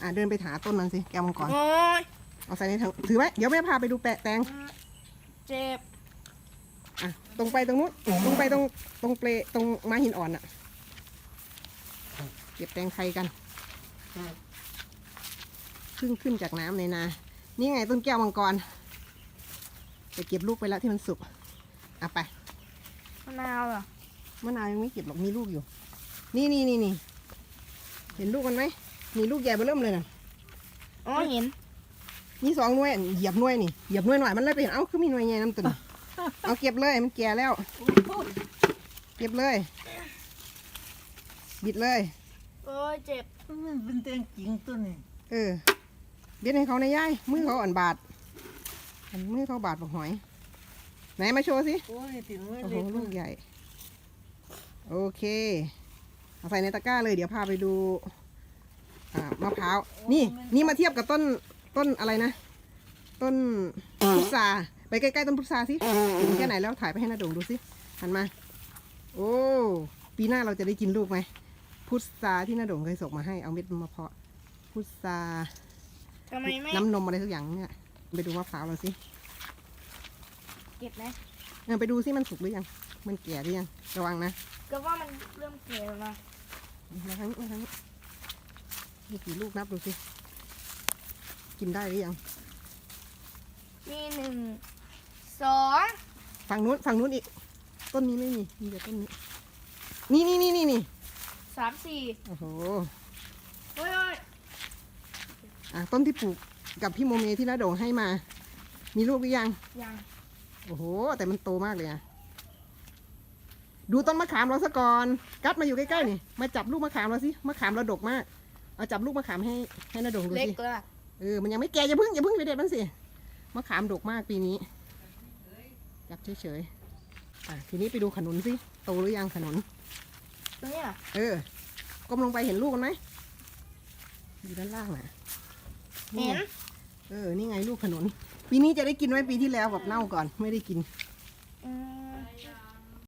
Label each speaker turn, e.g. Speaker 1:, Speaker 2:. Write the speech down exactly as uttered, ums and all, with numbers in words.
Speaker 1: อ่ะเดินไปหาต้นนั้นสิแก้วมังกร
Speaker 2: โอ้ย
Speaker 1: เอาใส่ในถังถือไว้เดี๋ยวแม่พาไปดูแปะแตง
Speaker 2: เจ็บ
Speaker 1: อ่ะตรงไปตรงนู้นตรงไปตรงตรงเปลตรงม้าหินอ่อนอ่ะเก็บแตงไทยกันขึ้นขึ้นจากน้ำในนานี่ไงต้นแก้วมังกรจะเก็บลูกไปแล้วที่มันสุกอ่ะไป
Speaker 2: มะนาวเหรอ
Speaker 1: มะนาวยังไม่เก็บหรอกมีลูกอยู่ นี่นี่นี่นี่เห็นลูกมันไหมมีลูกใหญ่เบ้อเริ่มเลยนะ
Speaker 2: อ๋อเห็น
Speaker 1: มีสองหน่วยเหยียบหน่วยนี่เหยียบหน่วยหน่อยมันเลยไปเห็นเอ้าคือมีหน่วยใหญ่น้ำตุ่นเอาเก็บเลยมันแก่แล้ว เก็บเลยบิดเลย
Speaker 2: โอ้ยเจ็บ
Speaker 3: มันเป็นแตงจริงตัวนี้
Speaker 1: เออเบียดให้เขาในย่ายมือเขาอ่อนบาดอันมือเขาบาดบอกหอยไหนมาโชว์สิ
Speaker 3: โอ้ยติดมือ
Speaker 1: โอ้โห
Speaker 3: เล็ก
Speaker 1: ลูกใหญ่โอเคเอาใส่ในตะกร้าเลยเดี๋ยวพาไปดูอ่ามะพร้าวนี่นี่มาเทียบกับต้นต้นอะไรนะต้นพุทราไปใกล้ๆต้นพุทราสิถึงแค่ไหนแล้วถ่ายไปให้นาโด่งดูสิหันมาโอ้ปีหน้าเราจะได้กินลูกไหมพุทราที่นาโด่งเคยส่งมาให้เอาเม็ดมาเพาะพุทรา
Speaker 2: ทำไมไม่
Speaker 1: น้ำนมอะไรสักอย่างเนี่ยไปดูมะพร้าวเราสิ
Speaker 2: เก็บไหม
Speaker 1: เออไปดูสิมันสุกหรือยังมันแก่หรือยังระวังนะ
Speaker 2: ก็ว่ามันเริ่มเกแล้วนะ
Speaker 1: มาทั้งมาทั้งมีกี่ลูกนับดูสิกินได้หรือยัง
Speaker 2: มีหนึ่งสอง
Speaker 1: ฝั่งนู้นฝั่งนู้นอีกต้นนี้ไม่มีมีแต่ต้นนี้นี่นี่นี่นี่นี่
Speaker 2: สามสี่
Speaker 1: โอ้โห
Speaker 2: โอ้ยโอ้ย
Speaker 1: อ่ะต้นที่ปลูกกับพี่โมเมที่น้าโด่งให้มา มีลูกหรือยัง
Speaker 2: ยัง
Speaker 1: โอ้โหแต่มันโตมากเลยอะดูต้นมะขามเราซะก่อนกัดมาอยู่ใกล้ๆนี่มาจับลูกมะขามเราสิมะขามเราดกมากเอาจับลูกมะขามให้ให้น้าโด่งดู
Speaker 2: เล็ก
Speaker 1: สิ
Speaker 2: แล้ว
Speaker 1: เออมันยังไม่แก่อย่าเพึ่งอย่าเพึ่งไปเด็ดมันสิมะขามดกมากปีนี้จับเฉยๆอ่ะทีนี้ไปดูขนุนสิโตหรือยังขนุน
Speaker 2: ตรงนี้เหรอ
Speaker 1: เออก้มลงไปเห็นลูกมันไหมอยู่ด้านล่างน่ะ
Speaker 2: เห็น
Speaker 1: เออนี่ไงลูกขนุนปีนี้จะได้กินไหมปีที่แล้วแบบเน่าก่อนไม่ได้กิน